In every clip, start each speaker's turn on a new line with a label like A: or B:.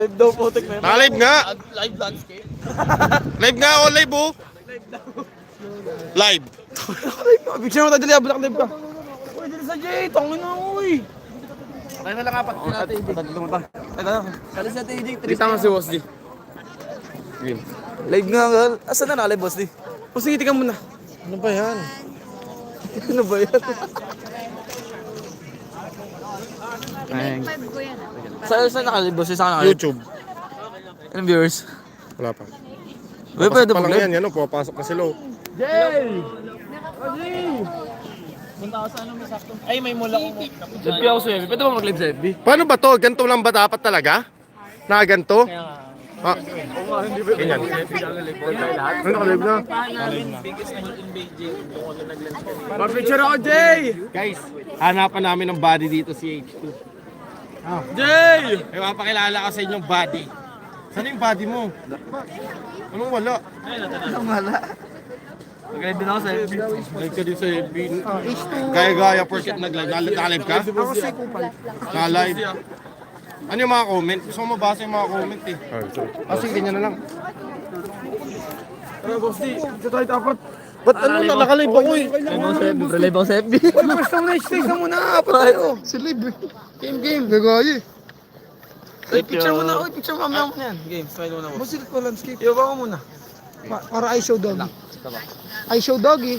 A: Live daw po, tek na yun.
B: Naka-live nga.
A: Live landscape.
B: Live nga ako, live oh. Live.
A: Picture mo tayo dali, abulak live ka. Uy, dali sa Jay, tangin na uy. Tayo na lang apat ko natin. Kali sa TJ,
B: Kita mo si Boss D.
A: live nga nga. Asan na naka-live, boss di? O sige, tika muna.
B: Ano ba yan?
A: Ano ba yan?
C: Pinag-5 ko yan.
A: Saan naka-live, boss? Saan naka-live?
B: YouTube.
A: Ilang viewers?
B: Wala pa.
A: Uy, pwede
B: Pa lang
A: mag-live?
B: yan, yan o. Pupasok na sila.
A: Jay! Punta ako sa ano, may sakto. Ay, may mula ko. Live ako sa FB. Pwede ba mag-live sa FB?
B: Paano ba to? Ganito lang ba dapat talaga? Na ganito? Ah, ganyan. Ano naka-live na?
A: Pa-picture ako, Jay!
B: Guys, hanapan namin ng body dito si H2.
A: Jay!
B: May mapakilala ka sa inyong body. Saan yung body mo? Anong wala?
A: Mag-live din ako sa FB.
B: Live ka din sa FB. Gaya-gaya porket nag-live. Naka-live ka?
A: Ako si Kupal.
B: Naka-live. Ano yung mga comment? Gusto ko mabasa yung mga comment eh. Sige, ganyan na lang.
A: Ano, boss di? Dito tayo dapat.
B: Ba't ano na? Naka-live ako eh.
A: Live ako sa FB. Basta muna, stay ka muna. Apat tayo. Si live eh. Game. Nagaya eh. Ay, picture muna. Uy, picture mo. Mamaya mo na yan. Game, smile muna, boss.
D: Musil ko landscape.
A: Iba ko muna.
D: Para I show doggy. I show doggy.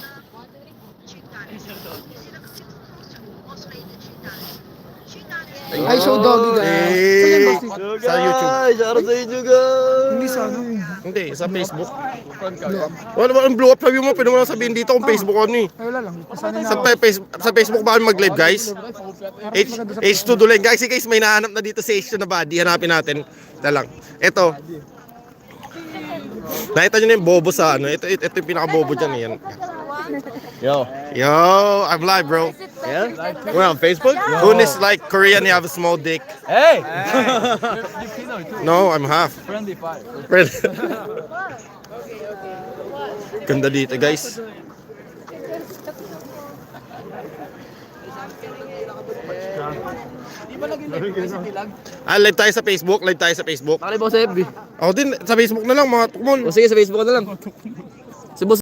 D: I show doggy guys.
B: Eh, sa YouTube.
A: Ay, shoutout sa inyo, guys.
D: Hindi sa ano eh.
B: Hindi, sa Facebook. Wala ba ang blow up? Sabi mo, pwede mo lang sabihin dito kung Facebook ano eh.
D: Ay wala lang. Pasanin na
B: Sa,
D: ako.
B: sa Facebook ba kami mag-live guys? H2 Dulen. Guys, may nahanap na dito si H2 na body. Hanapin natin. Ito lang. Ito. Nakita nyo na yung bobo sa ano. Ito yung pinaka-bobo dyan. Yan.
A: Yo.
B: Yo, I'm live bro.
A: Yeah?
B: We're on Facebook. Unis like Korean, you have a small dick.
A: Hey!
B: No, I'm half.
A: Friendly fire.
B: Friend. Ganda dito guys. Live tayo sa Facebook. Live tayo sa Facebook.
A: Nakalive ako sa FB.
B: Ako din, sa Facebook na lang mga tukmol.
A: O sige, sa Facebook na lang. Si boss